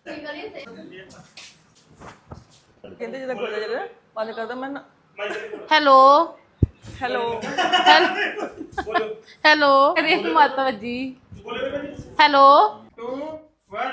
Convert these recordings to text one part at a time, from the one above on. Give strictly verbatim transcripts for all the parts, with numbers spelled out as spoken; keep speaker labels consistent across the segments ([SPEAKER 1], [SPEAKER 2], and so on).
[SPEAKER 1] ਕਹਿੰਦੇ ਜਦੋਂ ਕੋਲ ਜਿਹੜਾ ਬੰਦ ਕਰਦਾ ਮੈਂ
[SPEAKER 2] ਹੈਲੋ
[SPEAKER 1] ਹੈਲੋ
[SPEAKER 2] ਹੈਲੋ ਕਰੀ ਮਾਤਾ ਜੀ ਹੈਲੋ
[SPEAKER 3] two one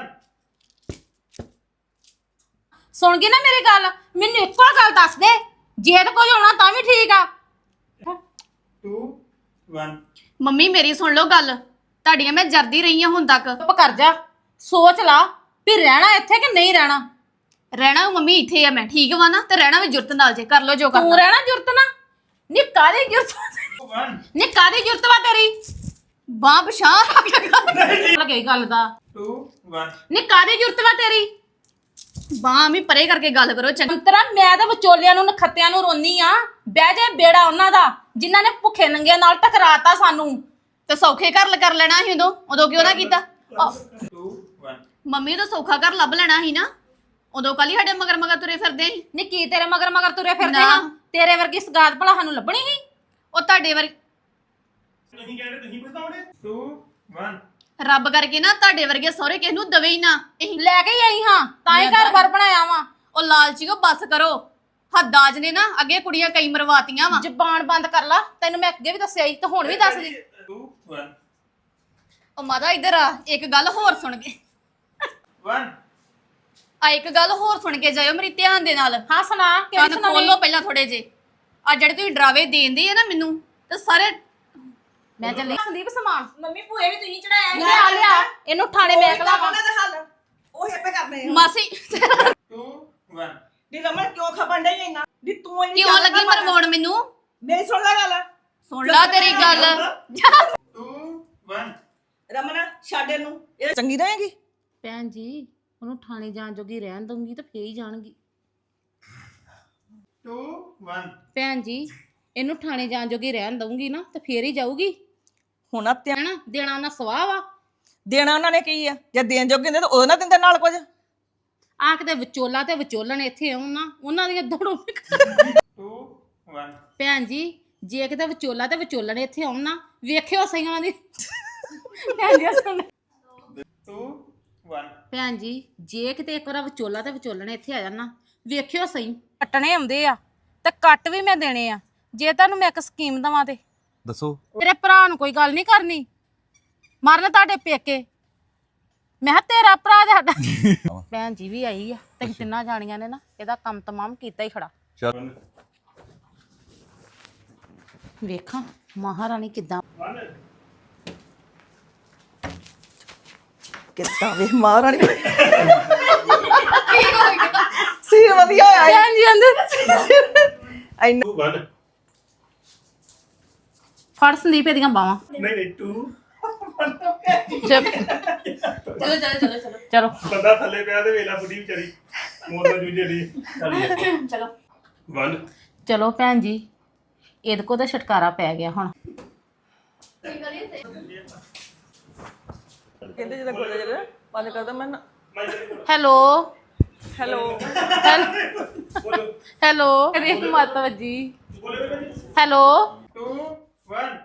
[SPEAKER 2] ਸੁਣ ਗਈ ਨਾ ਮੇਰੀ ਗੱਲ ਮੈਨੂੰ ਇੱਕੋ ਗੱਲ ਦੱਸ ਦੇ ਜੇ ਤਾਂ ਕੁਝ ਹੋਣਾ ਤਾਂ ਵੀ ਠੀਕ ਆ
[SPEAKER 3] two one
[SPEAKER 2] ਮੰਮੀ ਮੇਰੀ ਸੁਣ ਲਓ ਗੱਲ ਤੁਹਾਡੀਆਂ ਮੈਂ ਜਰਦੀ ਰਹੀ ਹਾਂ ਹੁਣ ਤੱਕ ਚੁੱਪ ਕਰ ਜਾ ਸੋਚ ਲਾ ਵੀ ਰਹਿਣਾ ਇੱਥੇ ਕਿ ਨਹੀਂ ਰਹਿਣਾ ਰਹਿਣਾ ਮੰਮੀ ਇੱਥੇ ਆ ਮੈਂ ਠੀਕ ਵਾ ਨਾ ਤੇ ਰਹਿਣਾ ਵੀ ਜੁਰਤ ਨਾਲ ਜੇ ਕਰ ਲੋ ਜੋ ਕਰਨਾ ਤੂੰ ਰਹਿਣਾ ਜੁਰਤ ਨਾ ਨੀ ਕਾਦੀ ਜੁਰਤ
[SPEAKER 3] one
[SPEAKER 2] ਨੀ ਕਾਦੀ ਜੁਰਤ ਵਾ ਤੇਰੀ ਬਾਂ ਬਸ਼ਾਹ ਲੱਗੇ ਗੱਲ ਦਾ
[SPEAKER 3] two one
[SPEAKER 2] ਨੀ ਕਾਦੀ ਜੁਰਤ ਵਾ ਤੇਰੀ ਬਾਂ ਵੀ ਪਰੇ ਕਰਕੇ ਗੱਲ ਕਰੋ ਚੰਤਰਾ ਮੈਂ ਤਾਂ ਵਿਚੋਲਿਆਂ ਨੂੰ ਨਖੱਤਿਆਂ ਨੂੰ ਰੋਨੀ ਆ ਬਹਿ ਜਾ ਬੇੜਾ ਉਹਨਾਂ ਦਾ ਜਿਨ੍ਹਾਂ ਨੇ ਭੁੱਖੇ ਨੰਗਿਆਂ ਨਾਲ ਟਕਰਾਤਾ ਸਾਨੂੰ ਤੇ ਸੌਖੇ ਘਰ ਕਰ ਲੈਣਾ ਸੀ ਉਦੋਂ ਉਦੋਂ ਕਿਉਂ ਨਾ ਕੀਤਾ
[SPEAKER 3] two one
[SPEAKER 2] ਮੰਮੀ ਤਾਂ ਸੌਖਾ ਘਰ ਲੱਭ ਲੈਣਾ ਸੀ ਨਾ ਉਦੋਂ ਕੱਲ ਹੀ ਸਾਡੇ ਮਗਰ ਮਗਰ ਤੁਰੇ ਫਿਰਦੇ ਸੀ ਨੀ ਕੀ ਤੇਰੇ ਮਗਰ ਮਗਰ ਤੁਰੇ ਫਿਰਦੇ ਹਾਂ ਤੇਰੇ ਵਰਗੀ ਸਗਾਤ ਭਲਾ ਸਾਨੂੰ ਲੱਭਣੀ ਸੀ ਉਹ ਤੁਹਾਡੇ ਵਰ
[SPEAKER 3] ਤੁਸੀਂ ਕਹਿੰਦੇ ਤੁਸੀਂ ਪਛਤਾਉਣੇ two one
[SPEAKER 2] ਰੱਬ ਕਰਕੇ ਨਾ ਤੁਹਾਡੇ ਵਰਗੇ ਸਹੁਰੇ ਕਿਸ ਨੂੰ ਦਵੇ ਹੀ ਨਾ ਅਸੀਂ
[SPEAKER 4] ਲੈ ਕੇ ਹੀ ਆਈ ਹਾਂ ਤਾਂ ਹੀ ਘਰ ਬਾਰ ਬਣਾਇਆ ਵਾ
[SPEAKER 2] ਉਹ ਲਾਲਚੀਓ ਬਸ ਕਰੋ ਹੱਦਾਜ ਨੇ ਨਾ ਅੱਗੇ ਕੁੜੀਆਂ ਕਈ ਮਰਵਾਤੀਆਂ ਵਾ
[SPEAKER 4] ਜ਼ਬਾਨ ਬੰਦ ਕਰ ਲਾ ਤੈਨੂੰ ਮੈਂ ਅੱਗੇ ਵੀ ਦੱਸਿਆ ਸੀ ਤੇ ਹੁਣ ਵੀ ਦੱਸ ਦੀ
[SPEAKER 3] two one
[SPEAKER 2] ਉਹ ਮਾਦਾ ਇੱਧਰ ਆ ਇੱਕ ਗੱਲ ਹੋਰ ਸੁਣ ਕੇ
[SPEAKER 3] one
[SPEAKER 2] ਆ ਇੱਕ ਗੱਲ ਹੋਰ ਸੁਣ ਕੇ ਜਾਇਓ ਮੇਰੀ ਧਿਆਨ ਦੇ ਨਾਲ
[SPEAKER 4] ਹਾਂ ਸੁਣਾ ਕਿਹੜੀ
[SPEAKER 2] ਕੰਨ
[SPEAKER 4] ਸੁਣਾਉਣੀ
[SPEAKER 2] ਖੋਲੋ ਪਹਿਲਾਂ ਥੋੜੇ ਜੇ ਆ ਜਿਹੜੇ ਤੁਸੀਂ ਡਰਾਵੇ ਦੇਂਦੇ ਆ ਨਾ ਮੈਨੂੰ ਤੇ ਸਾਰੇ
[SPEAKER 4] ਮੈਂ ਚੱਲੀ
[SPEAKER 2] ਸੰਦੀਪ ਸਮਾਨ
[SPEAKER 5] ਮੰਮੀ ਭੂਏ ਵੀ ਤੁਸੀਂ ਚੜਾਇਆ
[SPEAKER 4] ਲਿਆ ਲਿਆ ਇਹਨੂੰ ਥਾਣੇ ਮੈਂ ਕਲਾ
[SPEAKER 5] ਉਹਨਾਂ ਦਾ ਹੱਲ ਉਹ ਹੇਪੇ ਕਰਨੇ
[SPEAKER 2] ਮਾਸੀ
[SPEAKER 3] two one
[SPEAKER 5] ਦੀ ਰਮਨ ਕਿਉਂ ਖਪਣ ਡਈ ਇੰਨਾ ਦੀ ਤੂੰ ਇੰਨੀ
[SPEAKER 2] ਕਿਉਂ ਲੱਗੀ ਮਰਵਾਉਣ ਮੈਨੂੰ
[SPEAKER 5] ਮੇਰੀ ਸੁਣ ਲੈ ਗੱਲ
[SPEAKER 2] ਸੁਣ ਲਾ ਤੇਰੀ ਗੱਲ
[SPEAKER 3] two one
[SPEAKER 5] ਰਮਨ ਛੱਡ ਇਹਨੂੰ ਇਹ
[SPEAKER 1] ਚੰਗੀ ਰਹੇਗੀ
[SPEAKER 4] ਭੈਣ ਜੀ ਉਹਨੂੰ ਥਾਣੇ ਜਾਣ ਜੋਗੀ ਰਹਿਣ ਦਊਂਗੀ ਤਾਂ ਫੇਰ ਹੀ ਜਾਣਗੀ
[SPEAKER 3] two one
[SPEAKER 4] ਭੈਣ ਜੀ ਇਹਨੂੰ ਥਾਣੇ ਜਾਣ ਜੋਗੀ ਰਹਿਣ ਦਊਂਗੀ ਨਾ ਤੇ ਫੇਰ ਹੀ ਜਾਊਗੀ
[SPEAKER 1] ਹੁਣ ਆ ਧਿਆਨ
[SPEAKER 4] ਹੈਨਾ ਦੇਣਾ ਉਹਨਾਂ ਸਵਾਹ ਵਾ
[SPEAKER 1] ਦੇਣਾ ਉਹਨਾਂ ਨੇ ਕੀ ਆ ਜੇ ਦੇਣ ਜੋਗੇ ਹੁੰਦੇ ਤਾਂ ਉਹ ਨਾ ਦਿੰਦੇ ਨਾਲ ਕੁਝ
[SPEAKER 4] ਆ ਕਿਤੇ ਵਿਚੋਲਾ ਤੇ ਵਿਚੋਲਣ ਇੱਥੇ ਆਉਣ ਨਾ ਉਹਨਾਂ ਦੀਆਂ ਦੜੋਂ
[SPEAKER 3] two one
[SPEAKER 4] ਭੈਣ ਜੀ ਜੇ ਕਿਤੇ ਵਿਚੋਲਾ ਤੇ ਵਿਚੋਲਣ ਇੱਥੇ ਆਉਣ ਨਾ ਵੇਖਿਓ ਸਹੀ ਉਹਨਾਂ ਦੀ ਭੈਣ ਜੀ ਸੁਣ
[SPEAKER 3] two one
[SPEAKER 4] ਭੈਣ ਜੀ ਜੇ ਕਿਤੇ ਇੱਕ ਵਾਰ ਵਿਚੋਲਾ ਤੇ ਵਿਚੋਲਣ ਇੱਥੇ ਆ ਜਾਣ ਨਾ ਵੇਖਿਓ ਸਹੀ ਕੱਟਣੇ ਆਉਂਦੇ ਆ ਤੇ ਕੱਟ ਵੀ ਮੈਂ ਦੇਣੇ ਆ ਜੇ ਤੁਹਾਨੂੰ ਮੈਂ ਇੱਕ ਸਕੀਮ ਦਵਾਂ ਤੇ
[SPEAKER 6] ਦੱਸੋ
[SPEAKER 4] ਤੇਰੇ ਭਰਾ ਨੂੰ ਕੋਈ ਗੱਲ ਨਹੀਂ ਕਰਨੀ ਮਰਨ ਤੁਹਾਡੇ ਪੇਕੇ ਮੈਂ ਕਿਹਾ ਤੇਰਾ ਭਰਾ ਤੇ ਸਾਡਾ ਭੈਣ ਜੀ ਵੀ ਆਈ ਆ ਤੇ ਤਿੰਨਾਂ ਜਾਣੀਆਂ ਨੇ ਨਾ ਇਹਦਾ ਕੰਮ ਤਮਾਮ ਕੀਤਾ ਹੀ ਖੜਾ
[SPEAKER 6] ਚੱਲ
[SPEAKER 4] ਵੇਖਾਂ ਮਹਾਰਾਣੀ ਕਿੱਦਾਂ
[SPEAKER 1] ਕਿੱਦਾਂ ਵੇ ਮਹਾਰਾਣੀ ਸੀ ਵਧੀਆ ਆਇਆ
[SPEAKER 4] ਭੈਣ ਜੀ ਅੰਦਰ
[SPEAKER 1] ਇੰਨਾ
[SPEAKER 3] two one
[SPEAKER 4] ਫੜ ਸੰਦੀਪ ਇਹਦੀਆਂ ਬਾਵਾਂ
[SPEAKER 3] ਨਹੀਂ ਨਹੀਂ two
[SPEAKER 4] ਚਲੋ
[SPEAKER 2] ਚਲੋ ਚਲੋ ਚਲੋ ਚਲੋ
[SPEAKER 4] ਚਲੋ
[SPEAKER 3] ਬੰਦਾ ਥੱਲੇ ਪਿਆ ਤੇ ਵੇਲਾ ਬੁੱਢੀ ਵਿਚਾਰੀ ਮੋਰ ਦਾ ਜੂਝੇ ਲਈ ਚੱਲ
[SPEAKER 2] ਚਲੋ
[SPEAKER 3] one
[SPEAKER 4] ਚਲੋ ਭੈਣ ਜੀ ਇਹਦੇ ਕੋ ਤਾਂ ਛਟਕਾਰਾ ਪੈ ਗਿਆ ਹੁਣ
[SPEAKER 1] ਕਹਿੰਦੇ ਜਦੋਂ ਕੋਲ ਜਿਹੜਾ ਬੰਦ ਕਰਦਾ ਮੈਂ
[SPEAKER 4] ਹੈਲੋ
[SPEAKER 1] ਹੈਲੋ
[SPEAKER 4] ਹੈਲੋ ਕਰੀ ਮਾਤਾ ਜੀ ਹੈਲੋ
[SPEAKER 3] two one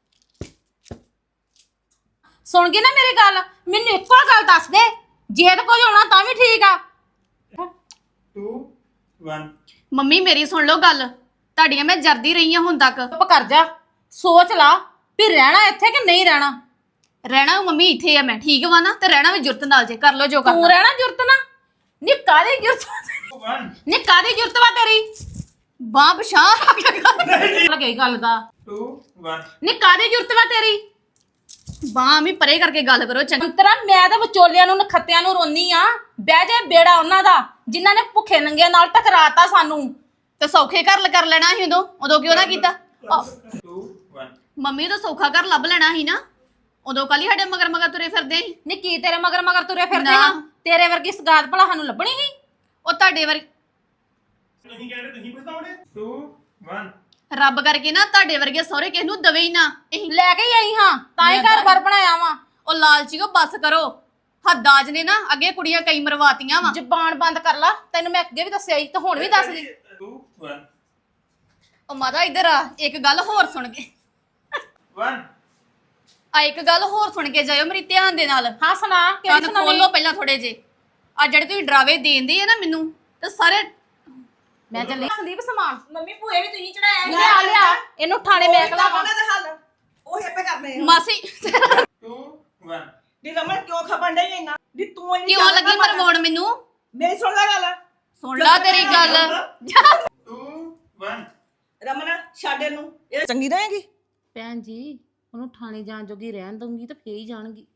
[SPEAKER 4] ਸੁਣ ਗਈ ਨਾ ਮੇਰੀ ਗੱਲ ਮੈਨੂੰ ਇੱਕੋ ਗੱਲ ਦੱਸ ਦੇ ਜੇ ਤਾਂ ਕੁਝ ਹੋਣਾ ਤਾਂ ਵੀ ਠੀਕ ਆ
[SPEAKER 3] two one
[SPEAKER 2] ਮੰਮੀ ਮੇਰੀ ਸੁਣ ਲਓ ਗੱਲ ਤੁਹਾਡੀਆਂ ਮੈਂ ਜਰਦੀ ਰਹੀ ਹਾਂ ਹੁਣ ਤੱਕ
[SPEAKER 4] ਚੁੱਪ ਕਰ ਜਾ ਸੋਚ ਲਾ ਵੀ ਰਹਿਣਾ ਇੱਥੇ ਕਿ ਨਹੀਂ ਰਹਿਣਾ
[SPEAKER 2] ਰਹਿਣਾ ਮੰਮੀ ਇੱਥੇ ਆ ਮੈਂ ਠੀਕ ਵਾ ਨਾ ਤੇ ਰਹਿਣਾ ਵੀ ਜੁਰਤ ਨਾਲ ਜੇ ਕਰ ਲੋ ਜੋ
[SPEAKER 4] ਤੂੰ
[SPEAKER 2] ਕਰਨਾ
[SPEAKER 4] ਰਹਿਣਾ ਜੁਰਤ ਨਾ ਨੀ ਕਾਦੀ ਜੁਰਤ
[SPEAKER 3] one
[SPEAKER 2] ਨੀ ਕਾਦੀ ਜੁਰਤ ਵਾ ਤੇਰੀ ਬਾਂ ਬਸ਼ਾਹ
[SPEAKER 4] ਲੱਗੇ ਗੱਲ ਦਾ
[SPEAKER 3] two one
[SPEAKER 2] ਨੀ ਕਾਦੀ ਜੁਰਤ ਵਾ ਤੇਰੀ ਬਾਂ ਵੀ ਪਰੇ ਕਰਕੇ ਗੱਲ ਕਰੋ ਚੰਗਾ
[SPEAKER 4] ਅੰਤਰਾ ਮੈਂ ਤਾਂ ਵਿਚੋਲਿਆਂ ਨੂੰ ਨਖੱਤਿਆਂ ਨੂੰ ਰੋਨੀ ਆ ਬਹਿ ਜਾ ਬੇੜਾ ਉਹਨਾਂ ਦਾ ਜਿਨ੍ਹਾਂ ਨੇ ਭੁੱਖੇ ਨੰਗਿਆਂ ਨਾਲ ਟਕਰਾਤਾ ਸਾਨੂੰ
[SPEAKER 2] ਤੇ ਸੌਖੇ ਘਰ ਕਰ ਲੈਣਾ ਸੀ ਉਦੋਂ ਉਦੋਂ ਕਿਉਂ ਨਾ ਕੀਤਾ
[SPEAKER 3] two one
[SPEAKER 2] ਮੰਮੀ ਤਾਂ ਸੌਖਾ ਘਰ ਲੱਭ ਲੈਣਾ ਸੀ ਨਾ ਉਦੋਂ ਕੱਲ ਹੀ ਸਾਡੇ ਮਗਰ ਮਗਰ ਤੁਰੇ ਫਿਰਦੇ ਸੀ
[SPEAKER 4] ਨੀ ਕੀ ਤੇਰੇ ਮਗਰ ਮਗਰ ਤੁਰੇ ਫਿਰਦੇ
[SPEAKER 2] ਨਾ।
[SPEAKER 4] ਹਾਂ ਤੇਰੇ ਵਰਗੀ ਸਗਾਤ ਭਲਾ ਸਾਨੂੰ ਲੱਭਣੀ ਸੀ
[SPEAKER 2] ਉਹ ਤੁਹਾਡੇ ਵਰ
[SPEAKER 3] ਤੁਸੀਂ ਕਹਿੰਦੇ ਤੁਸੀਂ ਪਛਤਾਉਣੇ two one
[SPEAKER 2] ਰੱਬ ਕਰਕੇ ਨਾ ਤੁਹਾਡੇ ਵਰਗੇ ਸਹੁਰੇ ਕਿਸ ਨੂੰ ਦਵੇ ਹੀ ਨਾ ਅਸੀਂ
[SPEAKER 4] ਲੈ ਕੇ ਹੀ ਆਈ ਹਾਂ ਤਾਂ ਹੀ ਘਰ ਬਾਰ ਬਣਾਇਆ ਵਾ
[SPEAKER 2] ਉਹ ਲਾਲਚੀਓ ਬਸ ਕਰੋ ਹੱਦਾਜ ਨੇ ਨਾ ਅੱਗੇ ਕੁੜੀਆਂ ਕਈ ਮਰਵਾਤੀਆਂ ਵਾ
[SPEAKER 4] ਜ਼ਬਾਨ ਬੰਦ ਕਰ ਲਾ ਤੈਨੂੰ ਮੈਂ ਅੱਗੇ ਵੀ ਦੱਸਿਆ ਸੀ ਤੇ ਹੁਣ ਵੀ ਦੱਸ ਦੀ
[SPEAKER 3] two one
[SPEAKER 2] ਉਹ ਮਾਦਾ ਇੱਧਰ ਆ ਇੱਕ ਗੱਲ ਹੋਰ ਸੁਣ ਕੇ
[SPEAKER 3] one
[SPEAKER 2] ਆ ਇੱਕ ਗੱਲ ਹੋਰ ਸੁਣ ਕੇ ਜਾਇਓ ਮੇਰੀ ਧਿਆਨ ਦੇ ਨਾਲ
[SPEAKER 4] ਹਾਂ ਸੁਣਾ ਕਿਹੜੀ
[SPEAKER 2] ਕੰਨ
[SPEAKER 4] ਸੁਣਾਉਣੀ
[SPEAKER 2] ਖੋਲੋ ਪਹਿਲਾਂ ਥੋੜੇ ਜੇ ਆ ਜਿਹੜੇ ਤੁਸੀਂ ਡਰਾਵੇ ਦੇਂਦੇ ਆ ਨਾ ਮੈਨੂੰ ਤੇ ਸਾਰੇ
[SPEAKER 4] ਮੈਂ ਚੱਲੀ ਸੰਦੀਪ ਸਮਾਨ
[SPEAKER 5] ਮੰਮੀ ਭੂਏ ਵੀ ਤੁਸੀਂ ਚੜਾਇਆ
[SPEAKER 4] ਲਿਆ ਲਿਆ ਇਹਨੂੰ ਥਾਣੇ ਮੈਂ ਕਲਾ
[SPEAKER 5] ਉਹਨਾਂ ਦਾ ਹੱਲ ਉਹ ਆਪੇ ਕਰਨੇ ਆ
[SPEAKER 2] ਮਾਸੀ
[SPEAKER 3] two one
[SPEAKER 5] ਦੀ ਰਮਨ ਕਿਉਂ ਖਪਣ ਡਈ ਇੰਨਾ ਦੀ ਤੂੰ ਇੰਨੀ
[SPEAKER 2] ਕਿਉਂ ਲੱਗੀ ਮਰਵਾਉਣ ਮੈਨੂੰ
[SPEAKER 5] ਮੇਰੀ ਸੁਣ ਲੈ ਗੱਲ
[SPEAKER 2] ਸੁਣ ਲਾ ਤੇਰੀ ਗੱਲ
[SPEAKER 3] two one
[SPEAKER 5] ਰਮਨ ਛੱਡ ਇਹਨੂੰ ਇਹ
[SPEAKER 1] ਚੰਗੀ ਰਹੇਗੀ
[SPEAKER 4] ਭੈਣ ਜੀ ਉਹਨੂੰ ਥਾਣੇ ਜਾਣ ਜੋਗੀ ਰਹਿਣ ਦਊਂਗੀ ਤਾਂ ਫੇਰ ਹੀ ਜਾਣਗੀ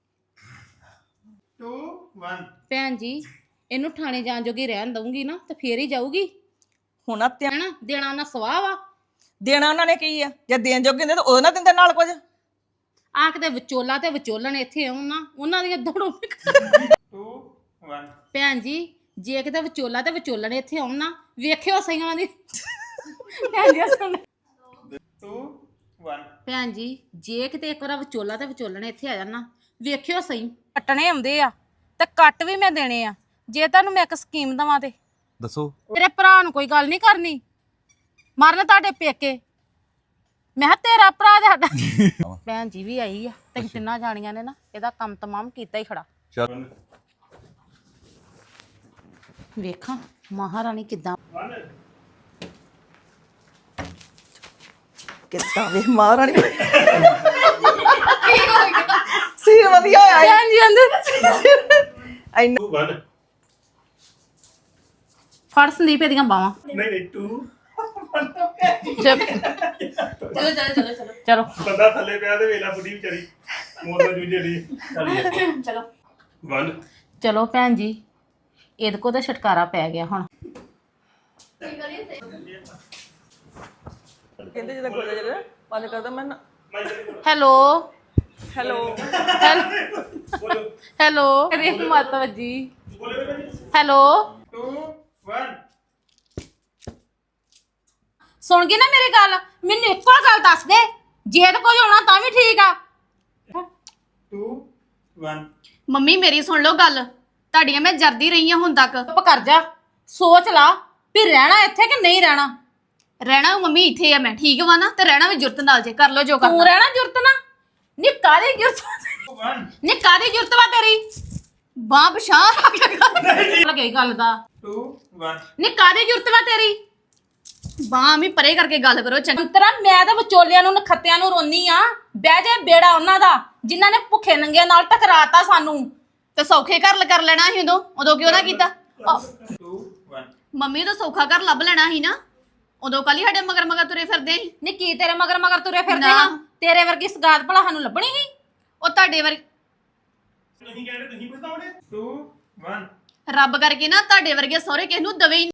[SPEAKER 3] two one
[SPEAKER 4] ਭੈਣ ਜੀ ਇਹਨੂੰ ਥਾਣੇ ਜਾਣ ਜੋਗੀ ਰਹਿਣ ਦਊਂਗੀ ਨਾ ਤਾਂ ਫੇਰ ਹੀ ਜਾਊਗੀ
[SPEAKER 1] ਹੁਣ ਆ ਧਿਆਨ
[SPEAKER 4] ਹੈਨਾ ਦੇਣਾ ਉਹਨਾਂ ਸਵਾਹ ਵਾ
[SPEAKER 1] ਦੇਣਾ ਉਹਨਾਂ ਨੇ ਕੀ ਆ ਜੇ ਦੇਣ ਜੋਗੇ ਹੁੰਦੇ ਤਾਂ ਉਹ ਨਾ ਦਿੰਦੇ ਨਾਲ ਕੁਝ
[SPEAKER 4] ਆ ਕਿਤੇ ਵਿਚੋਲਾ ਤੇ ਵਿਚੋਲਣ ਇੱਥੇ ਆਉਣ ਨਾ ਉਹਨਾਂ ਦੀਆਂ ਦੜੋਂ
[SPEAKER 3] two one
[SPEAKER 4] ਭੈਣ ਜੀ ਜੇ ਕਿਤੇ ਵਿਚੋਲਾ ਤੇ ਵਿਚੋਲਣ ਇੱਥੇ ਆਉਣ ਨਾ ਵੇਖਿਓ ਸਹੀ ਉਹਨਾਂ ਦੀ ਭੈਣ ਜੀ ਸੁਣ
[SPEAKER 3] two one
[SPEAKER 4] ਭੈਣ ਜੀ ਜੇ ਕਿਤੇ ਇੱਕ ਵਾਰ ਵਿਚੋਲਾ ਤੇ ਵਿਚੋਲਣ ਇੱਥੇ ਆ ਜਾਣ ਨਾ ਵੇਖਿਓ ਸਹੀ ਕੱਟਣੇ ਆਉਂਦੇ ਆ ਤੇ ਕੱਟ ਵੀ ਮੈਂ ਦੇਣੇ ਆ ਜੇ ਤੁਹਾਨੂੰ ਮੈਂ ਇੱਕ ਸਕੀਮ ਦਵਾਂ ਤੇ
[SPEAKER 6] ਦੱਸੋ
[SPEAKER 4] ਤੇਰੇ ਭਰਾ ਨੂੰ ਕੋਈ ਗੱਲ ਨਹੀਂ ਕਰਨੀ ਮਰਨ ਤੁਹਾਡੇ ਪੇਕੇ ਮੈਂ ਕਿਹਾ ਤੇਰਾ ਭਰਾ ਤੇ ਸਾਡਾ ਭੈਣ ਜੀ ਵੀ ਆਈ ਆ ਤੇ ਤਿੰਨਾਂ ਜਾਣੀਆਂ ਨੇ ਨਾ ਇਹਦਾ ਕੰਮ ਤਮਾਮ ਕੀਤਾ ਹੀ ਖੜਾ
[SPEAKER 6] ਚੱਲ
[SPEAKER 4] ਵੇਖਾਂ ਮਹਾਰਾਣੀ ਕਿੱਦਾਂ
[SPEAKER 3] one
[SPEAKER 1] ਕਿੱਦਾਂ ਵੇ ਮਹਾਰਾਣੀ ਸੀ ਵਧੀਆ ਆਇਆ
[SPEAKER 4] ਭੈਣ ਜੀ ਅੰਦਰ
[SPEAKER 1] ਇੰਨਾ
[SPEAKER 3] two one
[SPEAKER 4] ਫੜ ਸੰਦੀਪ ਇਹਦੀਆਂ ਬਾਵਾਂ
[SPEAKER 3] ਨਹੀਂ ਨਹੀਂ two
[SPEAKER 4] ਚਲੋ ਚਲੋ ਚਲੋ ਚਲੋ ਚਲੋ
[SPEAKER 3] ਬੰਦਾ ਥੱਲੇ ਪਿਆ ਤੇ ਵੇਲਾ ਬੁੱਢੀ ਵਿਚਾਰੀ ਮੋਰ ਦਾ ਜੂਝੇ ਲਈ ਚੱਲ
[SPEAKER 2] ਚਲੋ
[SPEAKER 3] one
[SPEAKER 4] ਚਲੋ ਭੈਣ ਜੀ ਇਹਦੇ ਕੋ ਤਾਂ ਛਟਕਾਰਾ ਪੈ ਗਿਆ ਹੁਣ
[SPEAKER 1] ਕਹਿੰਦੇ ਜਦੋਂ ਗੋਲਾ ਜਿਹੜਾ ਬੰਦ ਕਰਦਾ ਮੈਂ
[SPEAKER 4] ਹੈਲੋ
[SPEAKER 1] ਹੈਲੋ
[SPEAKER 3] ਬੋਲੋ
[SPEAKER 4] ਹੈਲੋ ਰੇ ਮਾਤਾ ਜੀ ਹੈਲੋ
[SPEAKER 3] two one
[SPEAKER 4] ਸੁਣ ਗਈ ਨਾ ਮੇਰੀ ਗੱਲ ਮੈਨੂੰ ਇੱਕੋ ਗੱਲ ਦੱਸ ਦੇ ਜੇ ਤੇ ਕੁਝ ਹੋਣਾ ਤਾਂ ਵੀ ਠੀਕ ਆ
[SPEAKER 3] two one
[SPEAKER 2] ਮੰਮੀ ਮੇਰੀ ਸੁਣ ਲਓ ਗੱਲ ਤੁਹਾਡੀਆਂ ਮੈਂ ਜਰਦੀ ਰਹੀ ਹਾਂ ਹੁਣ ਤੱਕ
[SPEAKER 4] ਚੁੱਪ ਕਰ ਜਾ ਸੋਚ ਲਾ ਵੀ ਰਹਿਣਾ ਇੱਥੇ ਕਿ ਨਹੀਂ ਰਹਿਣਾ
[SPEAKER 2] ਰਹਿਣਾ ਮੰਮੀ ਇੱਥੇ ਆ ਮੈਂ ਠੀਕ ਵਾ ਨਾ ਤੇ ਰਹਿਣਾ ਵੀ ਜੁਰਤ ਨਾਲ ਜੇ ਕਰ ਲੋ ਜੋ
[SPEAKER 4] ਤੂੰ
[SPEAKER 2] ਕਰਨਾ
[SPEAKER 4] ਰਹਿਣਾ ਜੁਰਤ ਨਾ ਨੀ ਕਾਦੀ ਜੁਰਤ
[SPEAKER 3] two one
[SPEAKER 4] ਨੀ ਕਾਦੀ ਜੁਰਤ ਵਾ ਤੇਰੀ
[SPEAKER 2] ਬਾਹ ਬਸ਼ਾਹ ਰੱਖ ਕੇ
[SPEAKER 4] ਲੱਗੇ ਗੱਲ ਦਾ
[SPEAKER 3] two one
[SPEAKER 4] ਨੀ ਕਾਦੀ ਜੁਰਤ ਵਾ ਤੇਰੀ
[SPEAKER 2] ਬਾਹ ਵੀ ਪਰੇ ਕਰਕੇ ਗੱਲ ਕਰੋ ਚੰਗਾ
[SPEAKER 4] ਅੰਤਰਾ ਮੈਂ ਤਾਂ ਵਿਚੋਲਿਆਂ ਨੂੰ ਨਖੱਤਿਆਂ ਨੂੰ ਰੋਨੀ ਆ ਬਹਿ ਜਾ ਬੇੜਾ ਉਹਨਾਂ ਦਾ ਜਿਨ੍ਹਾਂ ਨੇ ਭੁੱਖੇ ਨੰਗਿਆਂ ਨਾਲ ਟਕਰਾਤਾ ਸਾਨੂੰ
[SPEAKER 2] ਤੇ ਸੌਖੇ ਘਰ ਕਰ ਲੈਣਾ ਸੀ ਉਦੋਂ ਉਦੋਂ ਕਿਉਂ ਨਾ ਕੀਤਾ ਆਹ,
[SPEAKER 3] two one
[SPEAKER 2] ਮੰਮੀ ਤਾਂ ਸੌਖਾ ਘਰ ਲੱਭ ਲੈਣਾ ਸੀ ਨਾ ਉਦੋਂ ਕੱਲ ਹੀ ਸਾਡੇ ਮਗਰ ਮਗਰ ਤੁਰੇ ਫਿਰਦੇ ਸੀ
[SPEAKER 4] ਨੀ ਕੀ ਤੇਰੇ ਮਗਰ ਮਗਰ ਤੁਰੇ ਫਿਰਦੇ
[SPEAKER 2] ਨਾ।
[SPEAKER 4] ਹਾਂ ਤੇਰੇ ਵਰਗੀ ਸਗਾਤ ਭਲਾ ਸਾਨੂੰ ਲੱਭਣੀ ਸੀ
[SPEAKER 2] ਉਹ ਤੁਹਾਡੇ ਵਰ
[SPEAKER 3] ਤੁਸੀਂ ਕਹਿੰਦੇ ਤੁਸੀਂ ਪਛਤਾਉਣੇ two one
[SPEAKER 2] ਰੱਬ ਕਰਕੇ ਨਾ ਤੁਹਾਡੇ ਵਰਗੇ ਸਹੁਰੇ ਕਿਸ ਨੂੰ ਦਵੇ ਹੀ